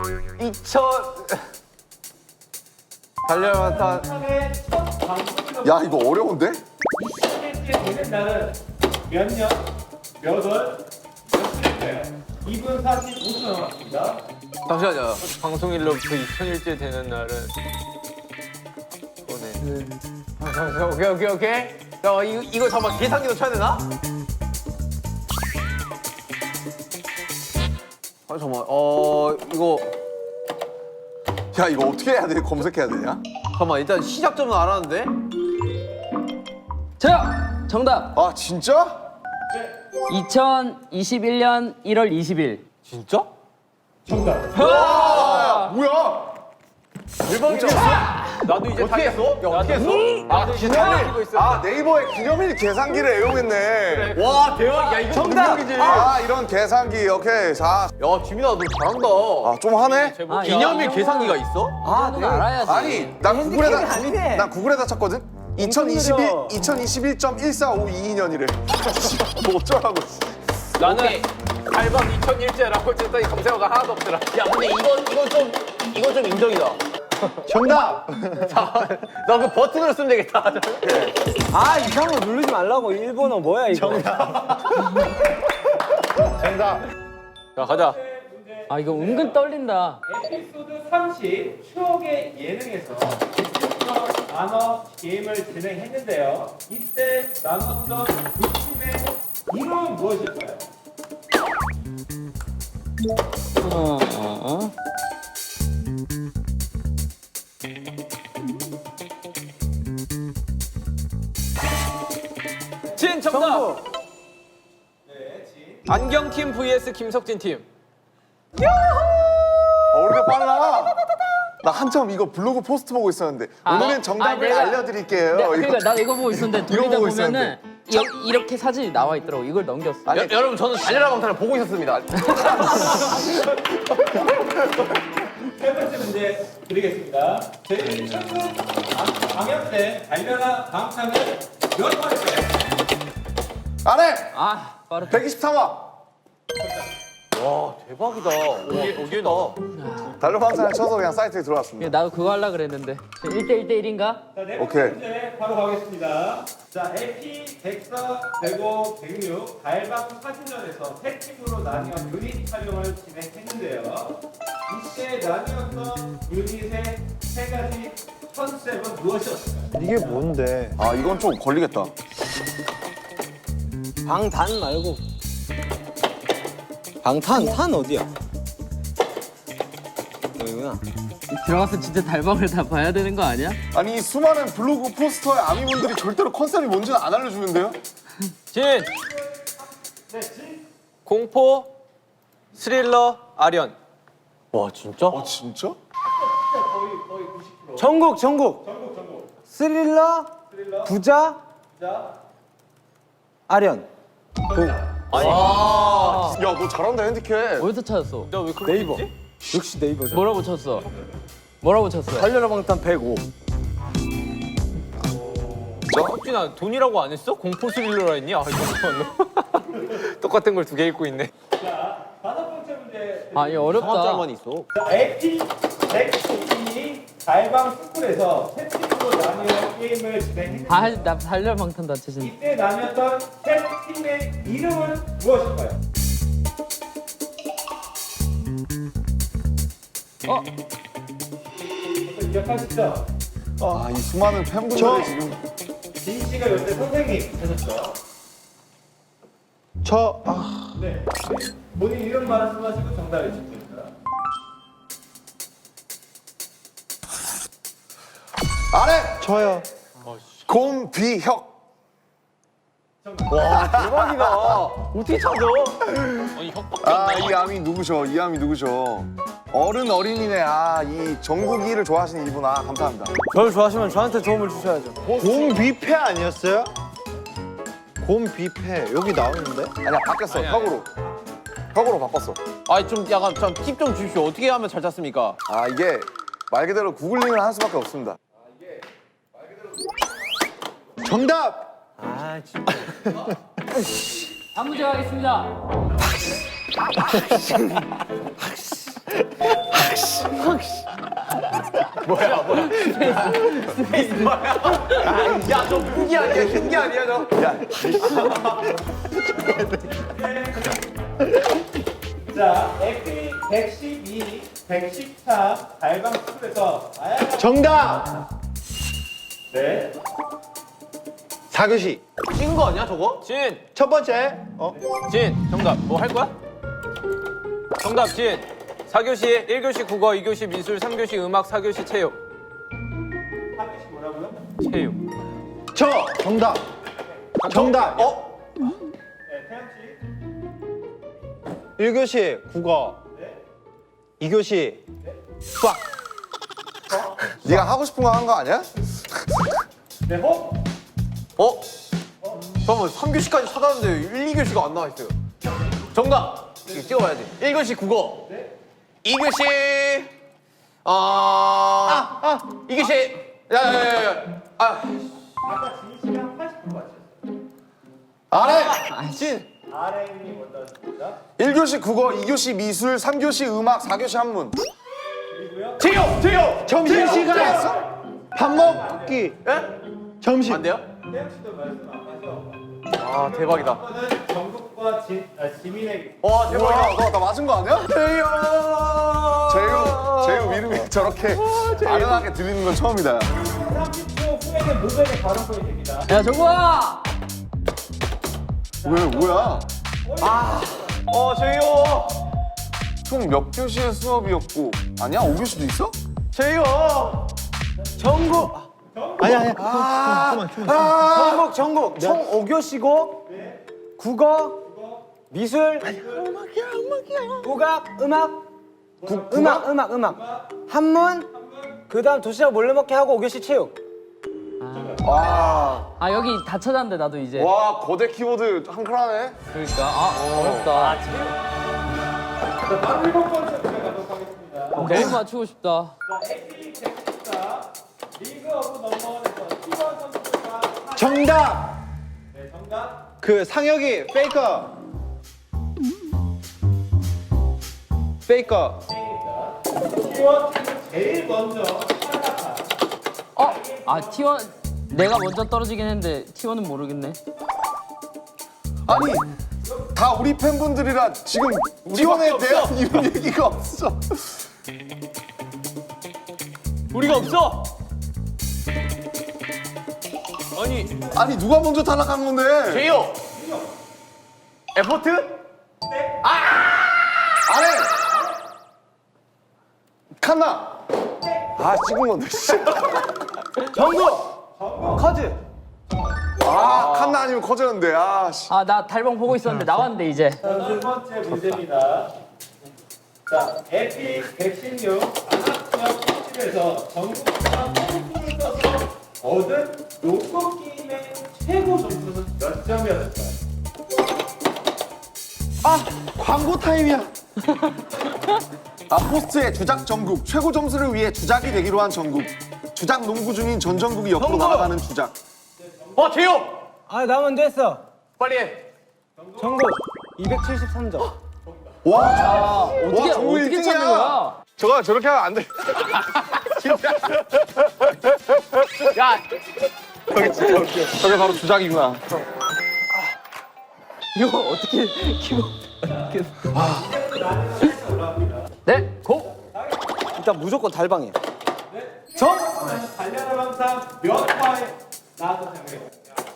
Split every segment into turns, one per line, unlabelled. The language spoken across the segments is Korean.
2000 달려왔다.
야 이거 어려운데?
20일째 되는 날은 몇 년, 몇 월, 몇 주일까요? 2분 45초 남았습니다.
잠시만요. 방송일로부터 2000일째 되는 날은 오늘. 잠시만. 오케이. 야 이거 잠깐 계산기도 쳐야 되나? 아 잠깐만. 이거
야 이거 어떻게 해야 돼? 검색해야 되냐?
잠깐만 일단 시작점은 알았는데.
저요! 정답!
아 진짜?
2021년 1월 20일.
진짜?
정답.
뭐야?
대박이다. 나도 이제 타겠어? 야 어떻게 했어? 아 기념일. 있어.
아 네이버에 기념일 계산기를 애용했네.
와 대박. 야 이거 정답이지.
아 이런 계산기 오케이. 자,
야 지민아 너 잘한다.
좀 하네.
아,
기념일 계산기가 있어?
아, 넌 알아야지.
아니 난 구글에다 쳤거든. 2021.1452년이래. 뭐 어쩌라고.
나는 달방 2001제라고 했더니 검색어가 하나도 없더라. 야 근데 이건 좀 인정이다.
정답!
나 그 버튼으로 쓰면 되겠다.
아 이상한 거 누르지 말라고. 일본어 뭐야 이거.
정답.
자 가자.
아, 이거 은근 떨린다.
에피소드 30 추억의 예능에서 나눠 게임을 진행했는데요. 이때 나눴던 두 팀의 이름은 무엇일까요?
진 정답.
네, 진.
안경팀 vs 김석진 팀.
우리가 빨라. 나 한참 이거 블로그 포스트 보고 있었는데 오늘은 정답을 알려드릴게요.
그러니까 나도 이거 보고 있었는데 돌리다
보고
보면은 이렇게 사진이 나와 있더라고. 이걸 넘겼어.
아니,
여러분 저는 달려라 방탄을 보고 있었습니다.
세 번째 문제 드리겠습니다. 제 최근 방영된 달려라 방탄은 몇 화일까요?
안해.
아, 빠르다.
123화.
와 대박이다. 오기다.
달러방산을 쳐서 그냥 사이트에 들어왔습니다.
나도 그거 하려고 그랬는데. 1대1대1인가?
자, 네 번째
오케이.
문제 바로 가겠습니다. 자, AP 104, 105, 106 달방 사진전에서 세 팀으로 나뉘어 유닛 촬영을 진행했는데요. 이때 나뉘었던 유닛의 세 가지 컨셉은 무엇이었을까요?
이게 뭔데?
아 이건 좀 걸리겠다.
방단 말고. 방탄 어디야? 여기구나.
들어가서 진짜 달방을 다 봐야 되는 거 아니야?
아니 이 수많은 블로그 포스터의 아미분들이 절대로 컨셉이 뭔지는 안 알려주는데요?
진.
네, 진.
공포, 스릴러, 아련. 와 진짜?
진짜?
거의 90%.
전국.
전국.
스릴러, 부자,
자,
아련.
야 너 잘한다 핸디캡.
어디서 찾았어?
나왜 그걸
네이버.
했지?
역시 네이버죠.
뭐라고 쳤어? 뭐라고 쳤어?
달려라 방탄 105.
석진아 돈이라고 안 했어? 공포 스릴러라 했니? 아 이거 똑같은 걸 두 개 읽고 있네.
자, 다섯 번째 문제.
아, 이거 어렵다.
있어.
자, AP 100팀이 달방 스쿨에서 세 팀으로 나뉘어 게임을 진행했는데
아, 나 달려 방탄 다 치신.
이때 나뉘었던 세 팀의 이름은 무엇일까요? 기억하시죠?
아 이 수많은 팬분들이 지금
진 씨가 요새 선생님 하셨죠? 네. 본인 이름 말씀하시고 정답 해주십니다.
안해.
저요.
곰비혁.
대박이다. 어떻게 찾아? 아니 혁밖에 안 나.
이 암이 누구셔? 이 암이 누구셔? 어린이네. 이 전국이를 좋아하시는 이분. 감사합니다.
저를 좋아하시면 저한테 도움을 주셔야죠. 곰뷔페 아니었어요? 곰뷔페 여기 나오는데?
아니야 바뀌었어.
아니야,
혁으로. 혁으로 바꿨어.
아니 좀 약간 팁 좀 주십시오. 어떻게 하면 잘 찾습니까?
이게 말 그대로 구글링을 할 수밖에 없습니다.
정답. 아 진짜.
다음 문제 가겠습니다.
야저 흉기 아니야 흉기 아니야 저.
자, 에피 112, 113 달방 스쿨에서 다양한
정답.
네.
4교시.
찐 거 아니야 저거? 진
첫 번째.
정답 뭐 할 거야? 정답 진 4교시 1교시 국어 2교시 미술 3교시 음악 4교시 체육
4교시 뭐라고요?
체육
저 정답. 정답.
네, 태양 씨.
1교시 국어.
네.
2교시 수학.
네가 하고 싶은 거 한 거 아니야?
네, 호.
어? 잠깐만 3교시까지 찾았는데 1, 2교시가 안 나와있어요 정답! 이거 찍어봐야지 1교시 국어
네.
2교시 2교시 야야야야
아까 지희 씨랑 80% 맞췄어요.
아래!
진
RM이 먼저 하셨습니다.
1교시 국어, 2교시 미술, 3교시 음악, 4교시 한문.
그리고요.
체육!
점심시간. 밥 먹기.
예?
점심.
안 돼요?
태양 씨도 말씀 안 하셔.
아 대박이다
이거는 정국과 지민에게.
와 대박이다
나 맞은 거 아니야? 제유 이름이 저렇게 아련하게 들리는 건 처음이다.
30초 후에는 모델의 발언권이 됩니다.
야 정국아.
왜, 뭐야?
제이요
총 몇 교시의 수업이었고. 아니야? 5교시도 있어?
제이요
정국.
아니야.
전국 총 5교시고 국어, 미술, 국악, 음악, 한문, 그다음 도시락 몰래 먹기 하고 5교시 체육.
와,
아 여기 다 찾았는데 나도 이제.
와, 거대 키보드 한클하네.
그러니까 어렵다.
자, 바로 7번째 문제 가도록 하겠습니다.
너무 맞추고 싶다.
자, AP 114 리그 오브 넘버원에서 T1 선수가
정답.
네, 정답.
그 상혁이 페이커. 페이커.
T1 제일 먼저 탈락한
아 T1 내가 먼저 떨어지긴 했는데 T1은 모르겠네.
아니, 다 우리 팬분들이라 지금 T1에 대한 이런 얘기가 없어.
우리가 없어
아니, 누가 먼저 탈락한 건데?
제이요 에포트?
아래! 칸나! 아, 찍은 건데, 씨.
커즈.
아, 칸나 아니면 커졌는데, 아, 씨.
아 나 달방 보고 있었는데 나왔는데 이제.
자, 두 번째 문제입니다. 자, 에피 116 안학지역 특집에서 전국과 콩쿠르를 써서 얻은 농구 게임의 최고 점수는 몇 점이었을까요?
광고 타임이야.
아, 포스트의 주작 전국 최고 점수를 위해 주작이 되기로 한 전국 주작 농구 중인 전 전국이 옆으로
전국!
날아가는 주작.
제이요
나 먼저 했어.
빨리 해
전국 273점.
와,
어떻게
전국
어떻게 찾는
1등이야.
거야?
저거 저렇게 하면 안 돼.
야
저게 바로 주작이구나.
이거 어떻게 키고? 네, 고.
일단 무조건 달방이야.
달려라 방상 몇 화에 나왔던 장면이에요?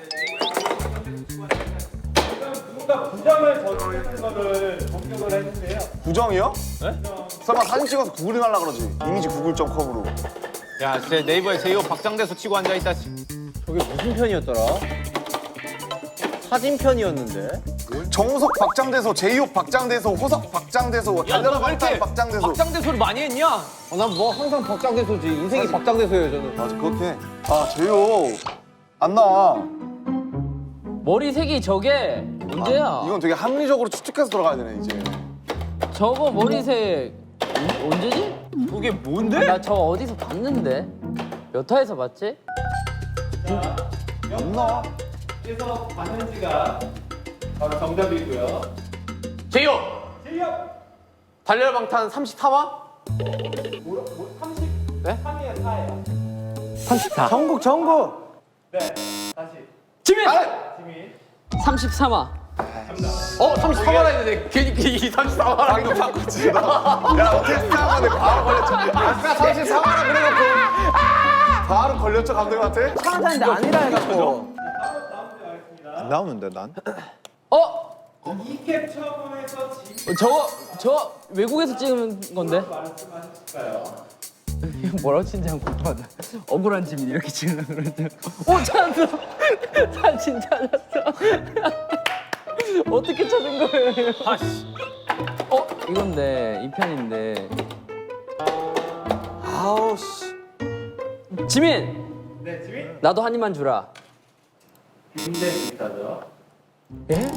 지금 누군가 부정을 저지르는 거를 공격을 했는데요.
부정이요? 네? 설마 사진 찍어서 구글링하려고 그러지. 이미지 구글.com으로.
야, 진짜 네이버에 제이호 박장대소 치고 앉아있다.
저게 무슨 편이었더라? 사진편이었는데.
정우석 박장대소, 제이홉 박장대소, 호석 박장대소, 달려라 방탄 박장대소.
박장대소를 많이 했냐?
난 뭐 항상 박장대소지. 인생이 박장대소예요, 저는.
맞아, 그렇게. 아, 제이홉 안 나와.
머리색이 저게 문제야.
이건 되게 합리적으로 추측해서 들어가야 되네, 이제.
저거 머리색 언제지?
그게 뭔데?
나 저거 어디서 봤는데? 몇 화에서 봤지?
안 나와.
그래서 봤는지가 바로 정답이고요.
제이호
실력
달려라 방탄 34화?
33이에요, 4예요.
34.
전국.
네, 다시.
지민!
지민.
33화.
34만 했는데 괜히 이 34만
이거 바꿨지. 야, 어떻게 생각하는데 바로 걸렸죠. 아까 34만원 그래놓고 바로 걸렸죠, 감독님한테?
차한테 아니라 해갖고.
다음 문제 가겠습니다.
안 나오는데 난?
이 캡처본에서 지민
저 외국에서 찍은 건데?
말씀하실까요?
뭐라고 친지 한번 궁금하다. 억울한 지민 이렇게 찍으려고 그러는데. 오, 찾았어! 사진 찾았어. 어떻게 찾은 거예요? 아씨. 이건데, 이 편인데.
아우 씨.
지민!
네, 지민.
나도 한 입만 주라.
굉장히 비슷하죠.
예?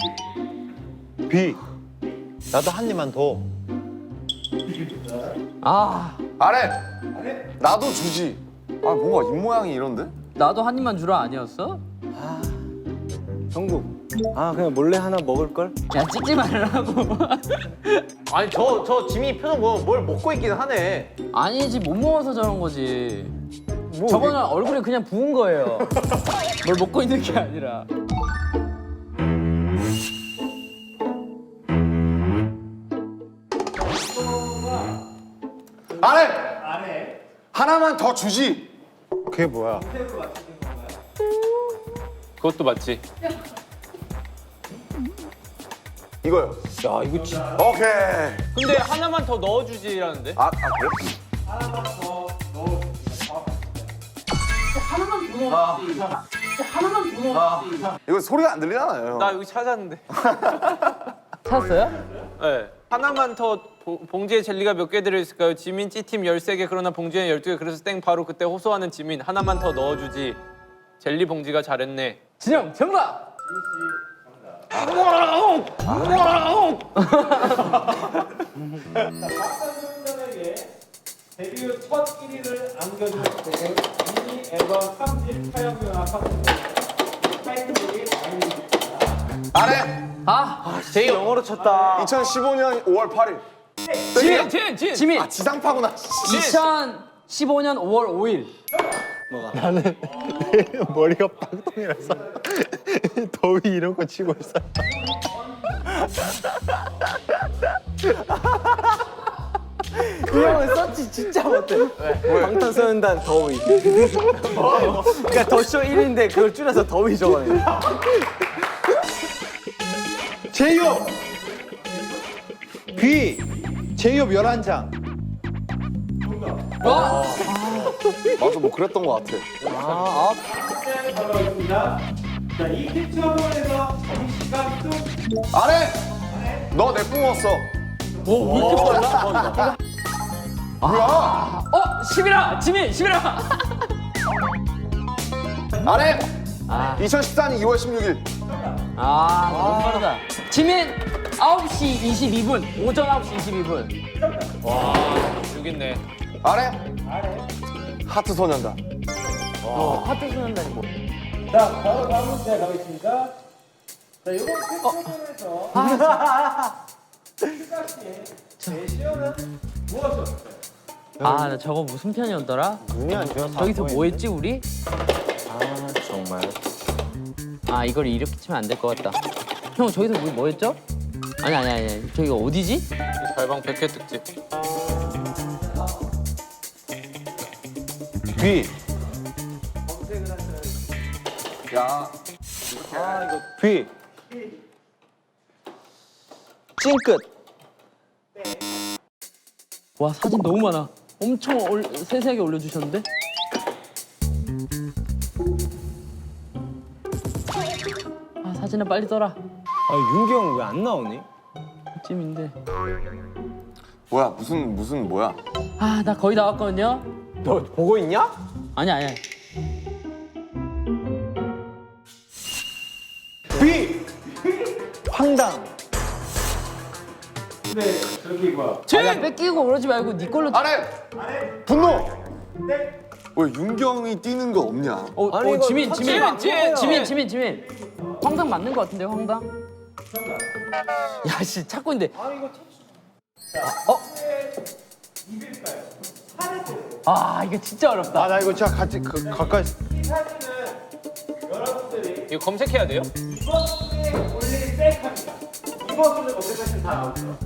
B. 나도 한 입만 더.
아,
아래! 나도 주지. 아, 뭔가 입모양이 이런데?
나도 한 입만 주라 아니었어?
전국. 아 그냥 몰래 하나 먹을 걸?
야, 찍지 말라고.
아니 저 지민이 표정 보면 뭘 먹고 있긴 하네.
아니지, 못 먹어서 저런 거지.
뭐,
저거는 얼굴에 그냥 부은 거예요. 뭘 먹고 있는 게 아니라.
아래!
안에
하나만 더 주지.
그게 뭐야?
그것도 맞지.
이거요.
야 이거 진짜.
오케이.
근데 하나만 더 넣어주지라는데?
그래?
하나만 더 넣어주세요.
이거 소리가 안 들리잖아요.
나 여기 찾았는데.
찾았어요?
네. 하나만 더 봉지에 젤리가 몇 개 들어있을까요? 지민 C팀 13개 그러나 봉지에 12개 그래서 땡 바로 그때 호소하는 지민 하나만 더 넣어주지. 젤리 봉지가 잘했네.
진영, 정답!
박상준에게 데뷔 후 첫 1위를 안겨준 곡은 미니 앨범 3집 촬영용화 팝송 타이틀곡이 아닙니다.
아래!
제이
영어로 쳤다.
2015년 5월 8일.
지민!
지상파구나.
2015년 5월 5일.
나는 머리가 빵통이라서 더위 이런 거 치고 있어.
이 형은 서치 진짜 못해. 방탄소년단 더위. 그러니까 더쇼 1인데 그걸 줄여서 더위 적어내.
제이홉! B. 제이홉 11장.
맞아, 뭐 그랬던 것 같아.
시간이 걸어있습니다. 자, 이 캡처본에서 정시가 좀
아래! 너 내 뿜었어.
오, 왜 이렇게 빨라?
뭐야?
11화! 지민, 11화!
아래! 2014년 2월 16일.
너무 빠르다. 지민, 9시 22분. 오전 9시 22분.
여기 있네.
아래! 하트 소년단.
하트 소년단이 뭐.
자, 바로 다음 문제 가겠습니다. 자, 이번 캡처본에서 휴가 씨의 제시어는 무엇이었을까요?
나 저거 무슨 편이었더라?
눈이 안 좋아서.
저기서 뭐 했지, 우리?
정말.
이걸 이렇게 치면 안 될 것 같다. 형, 저기서 우리 뭐 했죠? 아니. 저기가 어디지?
달방 100회 특집.
B.
야.
B. 찡끝.
와, 사진 너무 많아. 엄청 세세하게 올려주셨는데? 사진을 빨리 떠라.
윤기 형 왜 안 나오니?
찜인데.
뭐야, 무슨 뭐야?
나 거의 다 왔거든요?
너 보고 있냐?
아니야.
B. 황당.
네, 저기 뭐야?
야, 뺏기고 그러지 말고 네 걸로.
아래! 분노! 왜 윤경이 뛰는 거 없냐?
아니, 이거
지민.
터치가 안 먹어요.
지민. 황당 맞는 거 같은데, 황당? 야, 씨, 찾고 있는데.
입일까요? 살을 때
아 이거 진짜 어렵다.
아 나 이거 진짜 같이 가까이.
이 사진은 여러분들이
이거 검색해야 돼요?
위버스에 올릴 셀카입니다. 위버스를 검색하시면 다 나오죠.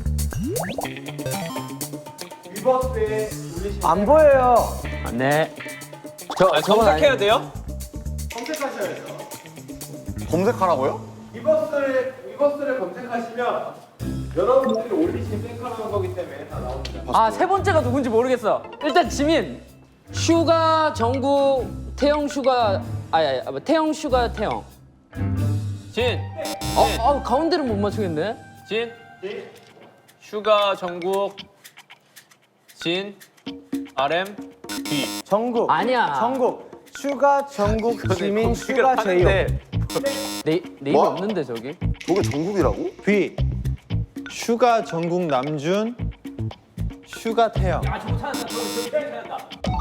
위버스에 올리시면
안 보여요.
네.
검색해야 돼요?
검색하셔야죠.
검색하라고요?
위버스를 검색하시면 여러분들이 올리신 셀카라는 거기 때문에 다 나옵니다.
아 세 번째가 누군지 모르겠어. 일단 지민. 슈가 정국 태영 슈가 태영 슈가 태영.
진,
가운데를 못 맞추겠네.
진, 슈가 정국, 진, RM, B.
정국.
아니야.
정국. 슈가 정국 지민 슈가 제이홉.
네이버 없는데 저기.
저게 전국이라고?
B. 슈가 전국 남준. 슈가 태영.
아 저거 찾았다. 저거 찾았다.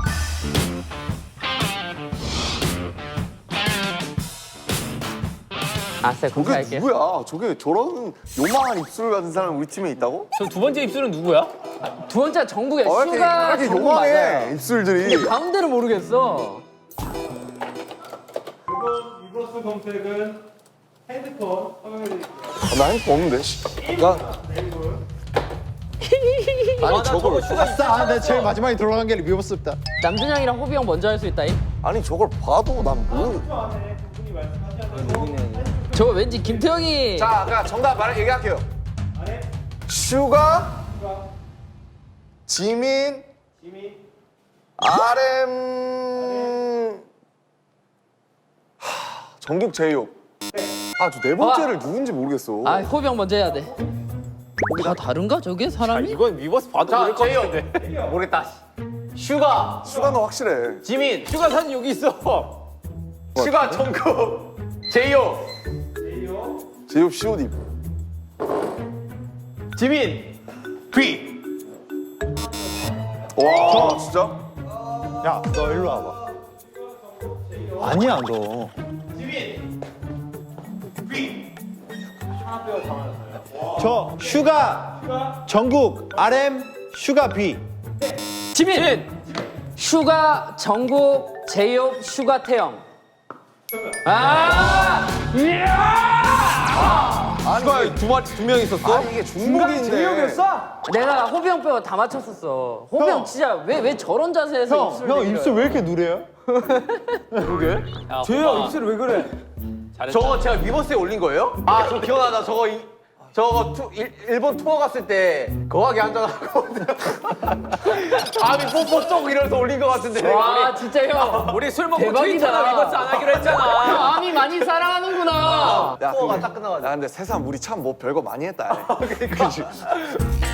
아싸
저게
공개할게.
누구야? 저게 저런 요망한 입술 가진 사람 우리 팀에 있다고?
저 두 번째 입술은 누구야?
두 번째 정국이야.
왜 이렇게,
슈가
이렇게
정국
요망해
맞아요.
입술들이.
가운데를 모르겠어.
이번 위버스 검색은 핸드폰 허용해드릴게요.
나 핸드폰 없는데. 씨. 아니 저걸
아싸, 내 제일 마지막에 들어간 게 위버스다.
남준형이랑 호비 형 먼저 할 수 있다잉.
아니 저걸 봐도 난 모르.
10초 안에 두 분이 말씀하셔야 되고
저거 왠지 김태형이.
자, 그냥 정답 얘기할게요.
안에
슈가,
슈가,
지민,
지민,
RM, 전국 제이홉. 아, 저 네 번째를 누군지 모르겠어.
아 호비 형 먼저 해야 돼. 다 다른가 저게 사람이?
이건 위버스 봐도 모를 것 같은데.
모르겠다. 슈가,
슈가는 확실해.
지민,
슈가 사진 여기 있어.
슈가 정국, 제이오,
제이오,
제이홉 COD.
지민, B.
와, 진짜?
야, 너 일로 와봐. 아니야, 너.
지민, B. 하나 빼고 다 맞았어요.
저 슈가 전국 RM 슈가 B.
지민. 슈가 정국 제이홉 슈가 태영. 아!
슈가 두 명 있었어?
아니, 이게 중복인데.
제이홉이었어?
내가 호비 형 빼고 다 맞췄었어. 호비 형 진짜 왜 저런 자세에서 입술
형
내밀어요?
입술 왜 이렇게 누래요?
야,
제이홉
호바.
입술이 왜 그래?
잘했다.
저거 제가 위버스에 올린 거예요? 아, 저 기억나다. 저거 일본 투어 갔을 때 거하게 앉아가지고 아미 뽀뽀 쪽 이러면서 올린 것 같은데.
와 진짜 형.
우리 술 먹고
대박이다.
트위터나 위버스 안 하기로 했잖아.
형 아미 많이 사랑하는구나.
야,
투어가 딱 끝나가지고.
야, 근데 세상 우리 참 뭐 별거 많이 했다. 그치?